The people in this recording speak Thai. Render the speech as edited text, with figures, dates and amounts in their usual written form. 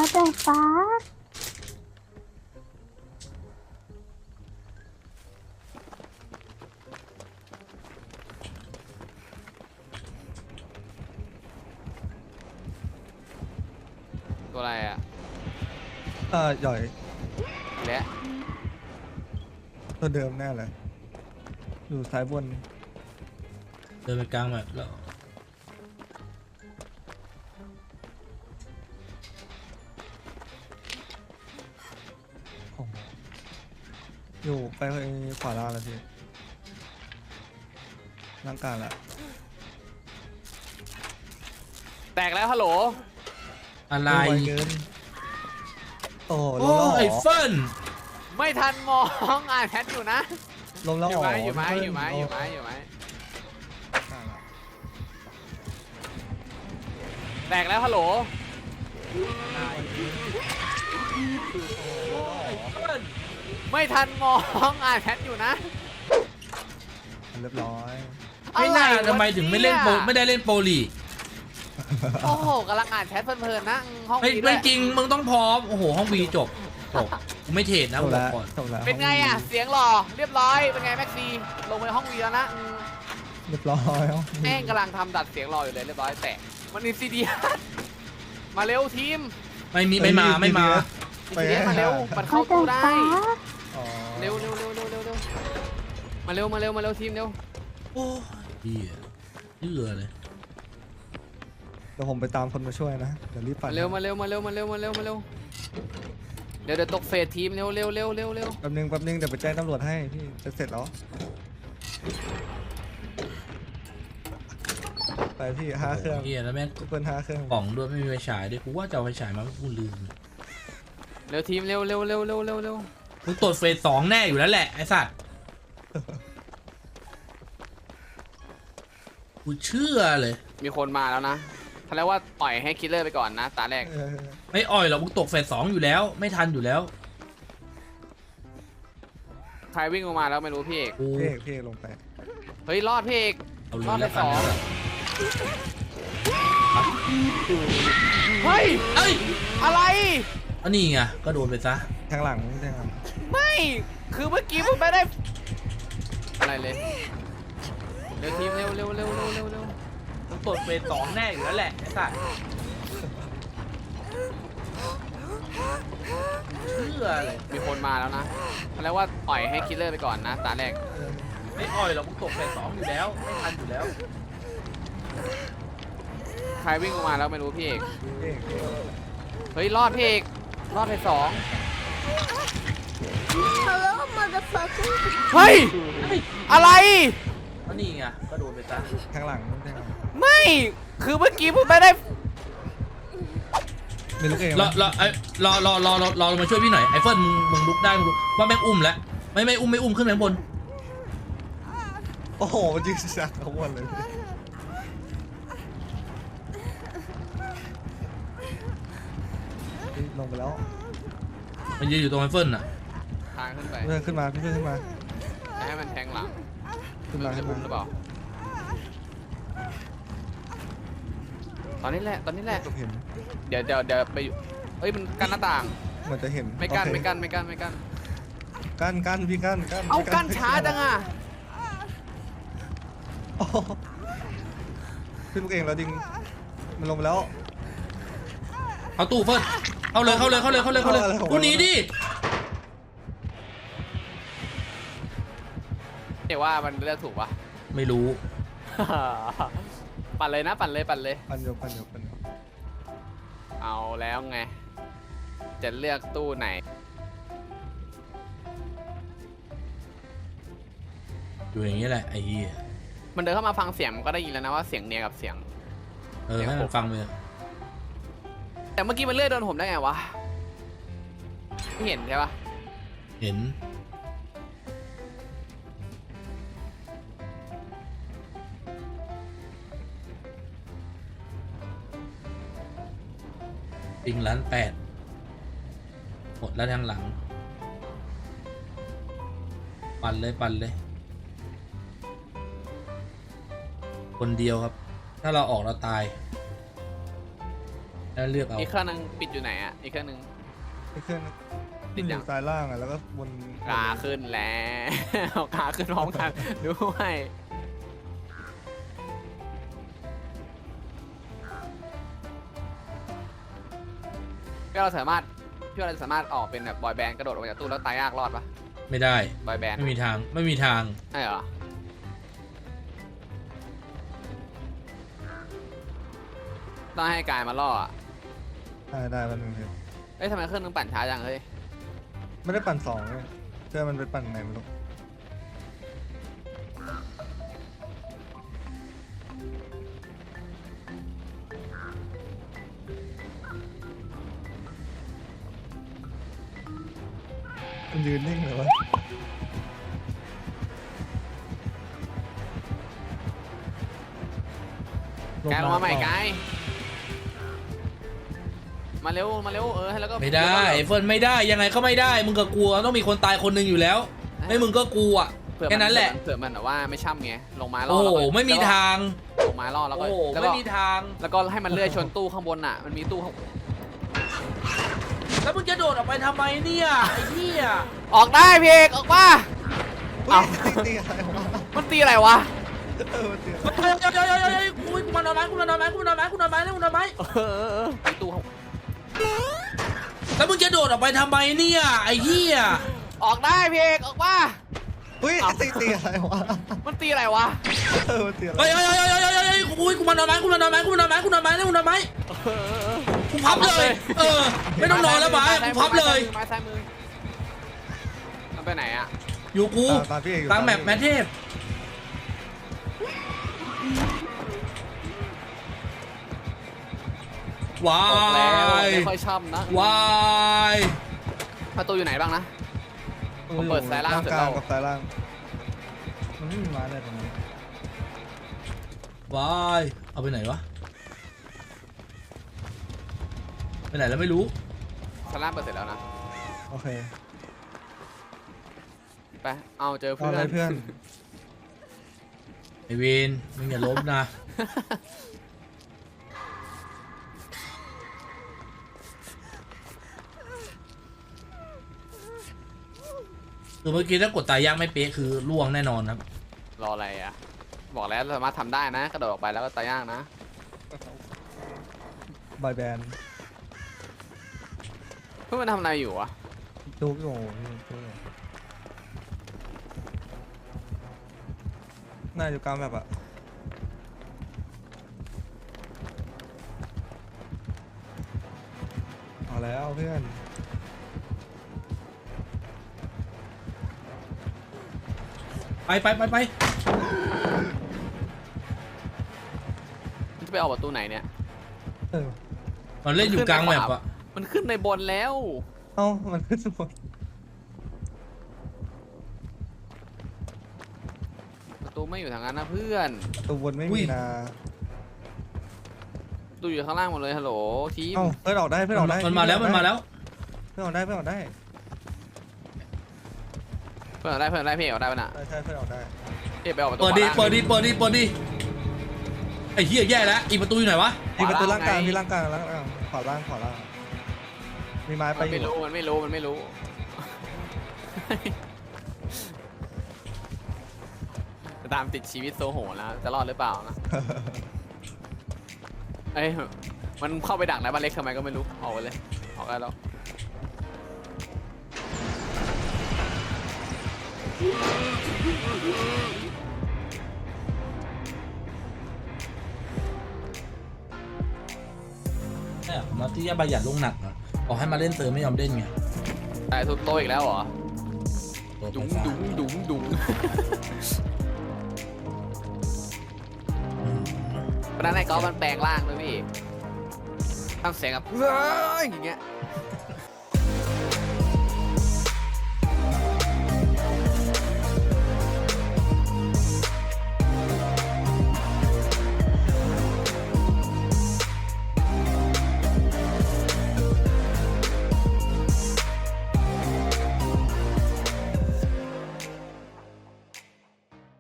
แต่ฟ้าตัวอะไรอ่ะหย่อยและตัวเดิมแน่เลยอยู่ซ้ายบนเดินไปกลางแบบแล้วอยู่ไปขวาล่างแล้วพี่ร่างกายละแตกแล้วฮัลโหลอะไรไวเกินโอ้โหลโอ้งแล้วเหรไอ้อเฟิร์นไม่ทันมองอ่านแชทอยู่นะลงแล้วอเหรยู่อไหมอยู่ไหมเพื่นอยู่ไหมโอยู่ไหมอยู่ไหมอ่าละแตกแล้วฮัลโหล ไม่ทันมองอ่านแชทอยู่นะเรียบร้อยไม่น่าอะรวะทำไมถึงไม่เล่นโปรเนี่ยไม่ได้เล่นโปรลีกโอ้โหกำลังอ่านแชทเพลินๆนะห้องไม่นี้ด้ไม่วยจริงมึงต้องพร้อมโอ้โหห้องวีจบกูไม่เทรดนะจกูบบอแล้กวก่อนจบแล้วเป็นไงอ่ะเสียงหล่อเรียบร้อยเป็นไงแม็กซีลงไปห้องวีแล้วนะเรียบร้อยแม่งกำลังทำดัดเสียงหล่ออยู่เลยเรียบร้อยแต่มันอินซีเดียมาเร็วทีมไม่มาอินซีเดียมาเร็วมันเข้าตู้ได้อ๋อเร็วมาเร็วทีมเร็วโอ้เหี้ยเยื่อเลยเดี๋ยวผมไปตามคนมาช่วยนะเดี๋ยวรีบปั่นมาเร็วเดี๋ยวตกเฟสทีมเร็วแป๊บนึงเดี๋ยวไปแจ้งตำรวจให้พี่จะเสร็จแล้วไปพี่5 เครื่องเหี้ยแล้วแม่งเปิ้ล5 เครื่องกล่องด้วยไม่มีไฟฉายด้วยกูว่าจะเอาไฟฉายมากูลืมเร็วทีมเร็วมึงตรวจเฟส2แน่อยู่แล้วแหละไอ้สัตว์กูเชื่อเลยมีคนมาแล้วนะเขาเรียกว่าปล่อยให้คิลเลอร์ไปก่อนนะตาแรกไม่อ่อยหรอกมึงตกเฟส2อยู่แล้ว ไม่ทันอยู่แล้วใครวิ่งออกมาแล้วไม่รู้พี่เอกกูพี่เอกลงไปเฮ้ยรอดพี่เอกเอาเลรอดยไปแล้วสกันองนะเฮ้ยเอ้ยอะไรอันนี้ไงก็โดนไปซะทางหลังไม่คือเมื่อกี้มันไม่ได้อะไรเลยเร็วทีมเร็วมึงตรวจเฟส2แน่อยู่แล้วแหละไอ้สัตว์เชื่อเลยมีคนมาแล้วนะเขาเรียกว่าปล่อยให้คิลเลอร์ไปก่อนนะตาแรกไม่อ่อยหรอกมึงตกเฟส2อยู่แล้ว ไม่ทันอยู่แล้วใครวิ่งออกมาแล้วไม่รู้พี่เอกพี่เอกเฮ้ยรอดพี่เอกรอดไปสอง Hello motherfucker เฮ้ยอะไรอันนี้ไงก็โดนไปซะทางหลังไม่คือเมื่อกี้ผมไม่ได้ไม่รู้เองรอมาช่วยพี่หน่อยไอ้เฟิร์นมึงลุกได้มึงลุกว่าแม่งอุ้มแล้วไม่อุ้มขึ้นไปข้างบนโอ้โหยิงสักทั้งวันเลยลงไปแล้วมันยืนอยู่ตรงไอ้เฟิร์นอ่ะทางขึ้นไปเพื่อนขึ้นมาพี่เพื่อนขึ้นมาให้มันแทงหลังขึ้นมาจะขึ้นบุ้มามหรือเปล่าตอนนี้แหละผมเห็นเดี๋ยวไปอยู่เฮ้ยมันกั้นหน้าต่างเหมือนจะเห็นไม่กั้นโอเคไม่กั้นกั้นพี่กั้นเอากั้นช้าจังอ่ะโอ้โหพี่ลูกเองแล้วดิงมันลงไปแล้วเอาตู้เฟิร์นเข้าเลยกูหนีดิเดี๋ยวว่ามันเลือกถูกปะไม่รู้ปั่นเลยนะปั่นเลยปันโยเอาแล้วไง จะเลือกตู้ไหนอยู่อย่างนี้แหละไอ้เหี้ยมันเดินเข้ามาฟังเสียงมันก็ได้ยินแล้วนะว่าเสียงเนียกับเสียงให้มันฟังเลยแต่เมื่อกี้มันเลื่อยโดนผมได้ไงวะไม่เห็นใช่ปะเห็นปิง1.8 ล้านหมดแล้วทางหลังปั่นเลยคนเดียวครับ ถ้าเราออกเราตายแล้วเลือกเอาอีกเครื่องนึงปิดอยู่ไหนอ่ะอีกเครื่องนึงไอ้เครื่องติดยังซ้ายล่างอ่ะแล้วก็บนขาขึ้นแล้วขาขึ้นพร้อมกันด้วยพี่เราสามารถออกเป็นแบบบอยแบนด์กระโดดออกมาจากตู้แล้วตายยากรอดปะไม่ได้บอยแบนด์ไม่มีทางไม่มีทางใช่เหรอต้องให้กายมาล่ออะได้มันงเอ้ยทำไมเครื่องนึงปั่นช้าจังเฮ้ยไม่ได้ปั่นสองเลยเชื่อมันไปปั่นไหนไม่รู้มันยืนนิ่งเลยวะกายลงมาใหม่กายมาเร็วแล้วก็ไม่ได้ไอ้เฟิร์นไม่ได้ยังไงก็ไม่ได้มึงก็กลัวต้องมีคนตายคนหนึ่งอยู่แล้วไม่มึงก็กลัวเผื่อแค่นั้นแหละเผื่อมันแบบว่าไม่ช่ำไงลงมาล่อโอ้โหแล้วก็ไม่มีทางลงมาล่อแล้วก็โอ้โหแล้วก็ไม่มีทางแล้วก็ให้มันเลื่อยชนตู้ข้างบนอ่ะมันมีตู้ข้างแล้วมึงจะโดดออกไปทำไมเนี่ยไอ้เหี้ยออกได้พี่เอกออกมาเอ้าตีอะไรวะมันตีอะไรวะมันตีเฮ้ยกูมานอนไหมมีตู้ข้างแล้วมึงจะโดดออกไปทำไมเนี่ยไอ้เหี้ยออกได้พี่เอกออกมาอุ้ยตีอะไรวะมันตีอะไรวะมันตีอะไรเฮ้ยกูมานอนไหมกูพับเลยไม่ต้องนอนแล้วบ้ากูพับเลยไม้ซ้ายมือมันไปไหนอ่ะอยู่กูตามพี่เอกอยู่ตามแมปแมทเทพว้าบอกแล้วยไม่ค่อยช่ำนะว้ายประตูอยู่ไหนบ้างนะ ผมเปิดซ้ายล่างเสร็จกแล้ลาว งกับซ้ายล่างมันไม่มีไม้อะไรตรงนี้ว้ายเอาไปไหนวะไปไหนแล้วไม่รู้ซ้ายล่างเปิดเสร็จแล้วนะโอเคไปเอาเจอเอาเพื่ออะไรนเพื่อนไอเวนมึงอย่าล้มนะคือเมื่อกี้ถ้ากดตายยากไม่เป๊ะคือล่วงแน่นอนครับรออะไรอ่ะบอกแล้วสามารถทำได้นะกระโดดออกไปแล้วก็ตายยากนะบอยแบนด์เพื่อนมันทำอะไรอยู่วะดูพี่โอ้น่าอยู่กลางแบบอะเอาแล้วเพื่อนไปมันจะไปออกประตูไหนเนี่ยเออมันเล่นอยู่กลางแมปอะมันขึ้นในบนแล้วเอ้ามันขึ้นสมดประตูไม่อยู่ทางนั้นนะเพื่อนตัวบนไม่มีนะประตูอยู่ข้างล่างหมดเลยฮัลโหลทีมเอ้าเพื่อนออกได้เพื่อนออกได้มันมาแล้วเพื่อนออกได้เพื่อนออกได้เพื่อนเอาได้พี่เอกเอาได้ปะน่ะใช่เพื่อนออกได้พี่เอกไปออกประตูเปิดดิขวาล่างเปิดดิไอ้เหี้ยแย่แล้วอีประตูอยู่ไหนวะมีประตูล่างกลางไงมีล่างกลางขวาล่างมีไม้ไปมันอไม่ยู่รู้มันไม่รู้จะตามติดชีวิตโซโหแล้วจะรอดหรือเปล่านะ เอ้ยมันเข้าไปดักในบ้านเล็กทำไมก็ไม่รู้ออกไปเลยออกได้แล้วเนี่ยมาที่จะประหยัดลงหนักอะบอกให้มาเล่นเติมไม่ยอมเล่นไงแต่ทุบโตะอีกแล้วเหรอตัวดุ๋งไปดุ๋งดุ๋งดุ๋งเพราะนั้นไอ้กอล์ฟมันแปลงร่างด้วยพี่ทำเสียงแบบเฮ้ยอย่างเงี้ย